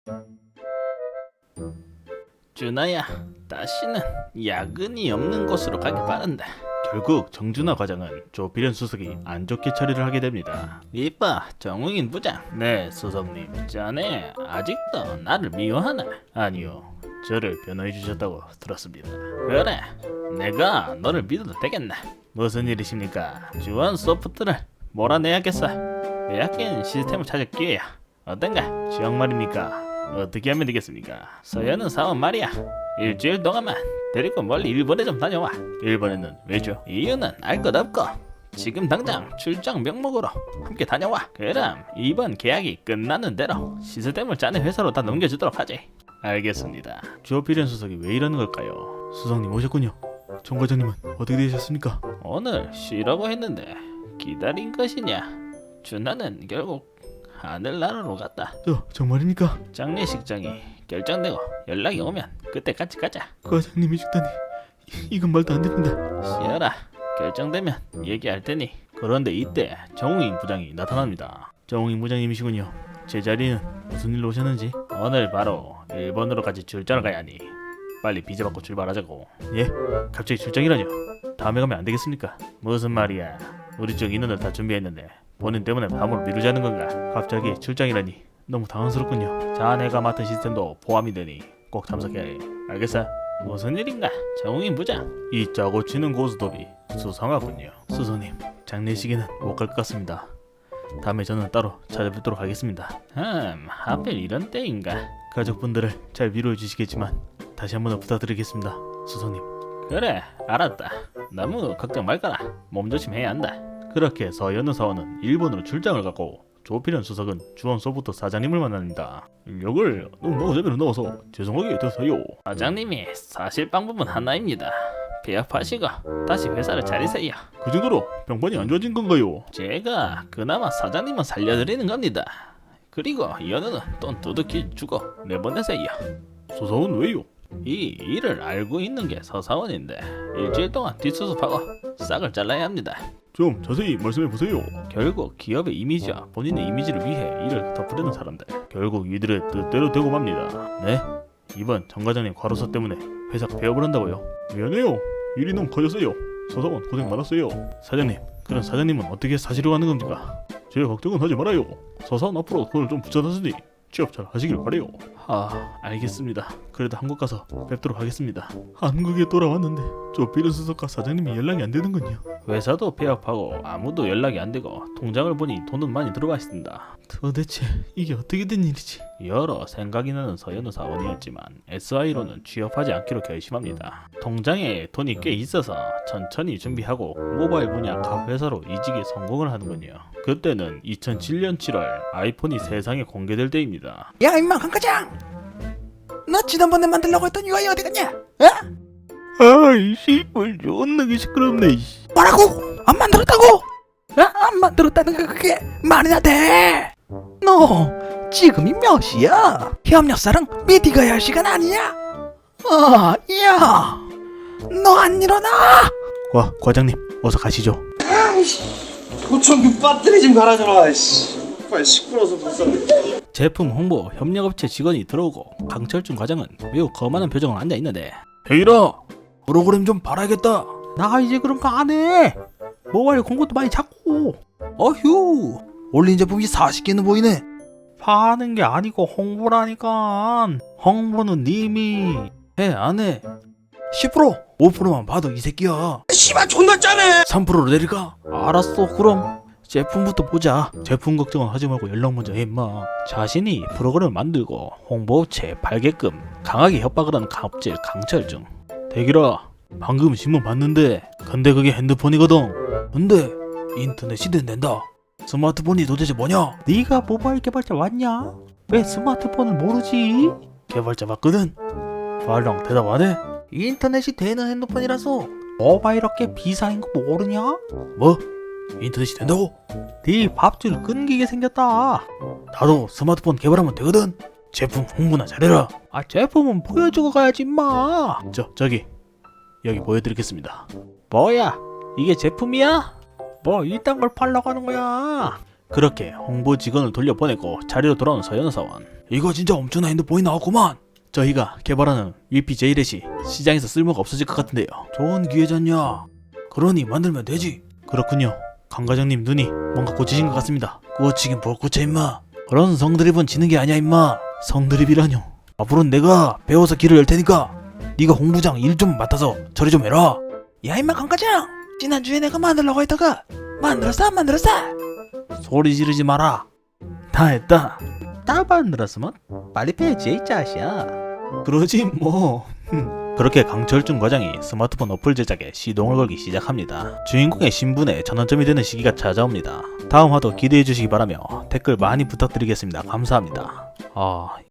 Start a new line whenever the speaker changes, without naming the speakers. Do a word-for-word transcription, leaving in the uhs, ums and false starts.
준아야, 다시는 야근이 없는 곳으로 가길 바란다. 결국 정준하 과장은 조필현 수석이 안 좋게 처리를 하게 됩니다. 이봐, 정웅인 부장. 네, 수석님. 자네 아직도 나를 미워하나? 아니요, 저를 변호해 주셨다고 들었습니다. 그래, 내가 너를 믿어도 되겠나? 무슨 일이십니까? 주원 소프트를 몰아내야겠어. 빼앗긴 시스템을 찾을 기회야. 어떤가? 지역 말입니까? 어떻게 하면 되겠습니까? 서현은 사원 말이야. 일주일 동안만 데리고 멀리 일본에 좀 다녀와. 일본에는 왜죠? 이유는 알 것 없고 지금 당장 출장 명목으로 함께 다녀와. 그럼 이번 계약이 끝나는 대로 시스템을 짜는 회사로 다 넘겨주도록 하지. 알겠습니다. 조필현 수석이 왜 이러는 걸까요?
수석님 오셨군요. 정 과장님은 어떻게 되셨습니까?
오늘 쉬라고 했는데 기다린 것이냐? 준하는 결국 하늘나라로 갔다.
저 정말입니까?
장례식장이 결정되고 연락이 오면 그때 같이 가자.
과장님이 죽다니 이건 말도 안 됩니다.
쉬어라. 결정되면 얘기할 테니. 그런데 이때 정웅인 부장이 나타납니다.
정웅인 부장님이시군요. 제 자리는 무슨 일로 오셨는지.
오늘 바로 일본으로 같이 출장을 가야 하니 빨리 비자 받고 출발하자고.
예? 갑자기 출장이라뇨? 다음에 가면 안 되겠습니까?
무슨 말이야? 우리 쪽 인원을 다 준비했는데 본인 때문에 다음으로 미루자는 건가?
갑자기 출장이라니 너무 당황스럽군요.
자네가 맡은 시스템도 포함이 되니 꼭 참석해야 해. 알겠어? 무슨 일인가? 정웅인 부장. 이 짜고 치는 고스톱이 수상하군요.
수석님, 장례식에는 못 갈 것 같습니다. 다음에 저는 따로 찾아뵙도록 하겠습니다.
음, 하필 이런 때인가?
가족분들을 잘 위로해 주시겠지만 다시 한번 부탁드리겠습니다. 수석님.
그래, 알았다. 너무 걱정 말거라. 몸조심해야 한다. 그렇게 서현우 사원은 일본으로 출장을 가고 조필현 수석은 주원 소프트 사장님을 만납니다.
인력을 너무 노잼으로 넣어서 죄송하게 됐어요.
사장님이 사실 방법은 하나입니다. 폐업하시고 다시 회사를 차리세요.
그 정도로 병반이 안 좋아진 건가요?
제가 그나마 사장님은 살려드리는 겁니다. 그리고 연우는 돈 두둑히 주고 내보내세요.
서사원 왜요?
이 일을 알고 있는 게 서사원인데 일주일 동안 뒷수습하고 싹을 잘라야 합니다.
좀 자세히 말씀해 보세요.
결국 기업의 이미지와 본인의 이미지를 위해 일을 덮으려는 사람들. 결국 이들의 뜻대로 되고 맙니다.
네? 이번 정 과장님 과로사 때문에 회사 폐업을 한다고요? 미안해요. 일이 너무 커졌어요. 서사원 고생 많았어요. 사장님, 그럼 사장님은 어떻게 사시려고 하는 겁니까? 제 걱정은 하지 말아요. 서사원 앞으로 돈을 좀 붙여놨으니 취업 잘 하시길 바래요.
아, 알겠습니다.
그래도 한국 가서 뵙도록 하겠습니다. 한국에 돌아왔는데 조필현 수석과 사장님이 연락이 안 되는군요.
회사도 폐업하고 아무도 연락이 안 되고 통장을 보니 돈은 많이 들어가 있습니다.
도대체 이게 어떻게 된 일이지?
여러 생각이 나는 서현우 사원이었지만 에스아이로는 취업하지 않기로 결심합니다. 통장에 돈이 꽤 있어서 천천히 준비하고 모바일 분야 각 회사로 이직에 성공을 하는군요. 그때는 이천칠 년 칠월 아이폰이 세상에 공개될 때입니다.
야 임마 강과장, 너 지난번에 만들려고 했던 유아이 어디 갔냐? 어?
아이 씨발 존나게 시끄럽네.
뭐라고? 안 만들었다고? 어? 안 만들었다는 게 그게 말이나 돼? 너 지금이 몇 시야? 협력사랑 미팅 가야 할 시간 아니야? 어, 야, 너 안 일어나?
와 과장님 어서 가시죠.
도청 그 배터리 좀 갈아줘라. 씨. 빨리 시끄러워서 못 살겠네.
제품 홍보 협력업체 직원이 들어오고 강철준 과장은 매우 거만한 표정으로 앉아있는데,
대일아,
프로그램 좀 봐라겠다.
나 이제 그런 거 안 해. 모바일 공고도 많이 찾고.
어휴, 올린 제품이 사십 개는 보이네.
파는 게 아니고 홍보라니까. 홍보는 님이 해, 안 해?
십 퍼센트, 오 퍼센트만 봐도 이 새끼야.
씨발 존나 짜네.
삼 퍼센트로 내릴까?
알았어, 그럼 제품부터 보자.
제품 걱정은 하지 말고 연락 먼저 해 임마.
자신이 프로그램을 만들고 홍보업체에 팔게끔 강하게 협박을 하는 갑질 강철중.
대기라, 방금 신문 봤는데 근데 그게 핸드폰이거든.
근데 인터넷이 된댄다. 스마트폰이 도대체 뭐냐?
네가 모바일 개발자 맞냐? 왜 스마트폰을 모르지?
개발자 맞거든. 말랑 대답 안 해?
인터넷이 되는 핸드폰이라서.
모바일 업계 비상인 거 모르냐?
뭐? 인터넷이 된다고?
네 밥줄 끊기게 생겼다.
나도 스마트폰 개발하면 되거든. 제품 홍보나 잘해라.
아, 제품은 보여주고 가야지 임마.
저 저기 여기 보여드리겠습니다.
뭐야, 이게 제품이야? 뭐 이딴 걸 팔려고 하는 거야? 그렇게 홍보 직원을 돌려보내고 자리로 돌아온 서연사원.
이거 진짜 엄청난 핸드폰이 나왔구만.
저희가 개발하는 위피제이렛이 시장에서 쓸모가 없어질 것 같은데요.
좋은 기회잖냐. 그러니 만들면 되지.
그렇군요. 강 과장님 눈이 뭔가 고치신 것 같습니다.
고치긴 뭘 고쳐 임마. 그런 성드립은 지는 게 아니야 임마.
성드립이라뇨.
앞으로는 내가 배워서 길을 열 테니까 네가 홍부장 일 좀 맡아서 처리 좀 해라. 야 임마 강과장, 지난주에 내가 만들려고 했다가 만들었어 안 만들었어? 소리 지르지 마라.
다 했다. 다 만들었으면 빨리 빼지 이 자식아. 그러지 뭐. 그렇게 강철중 과장이 스마트폰 어플 제작에 시동을 걸기 시작합니다. 주인공의 신분에 전환점이 되는 시기가 찾아옵니다. 다음 화도 기대해 주시기 바라며 댓글 많이 부탁드리겠습니다. 감사합니다. 아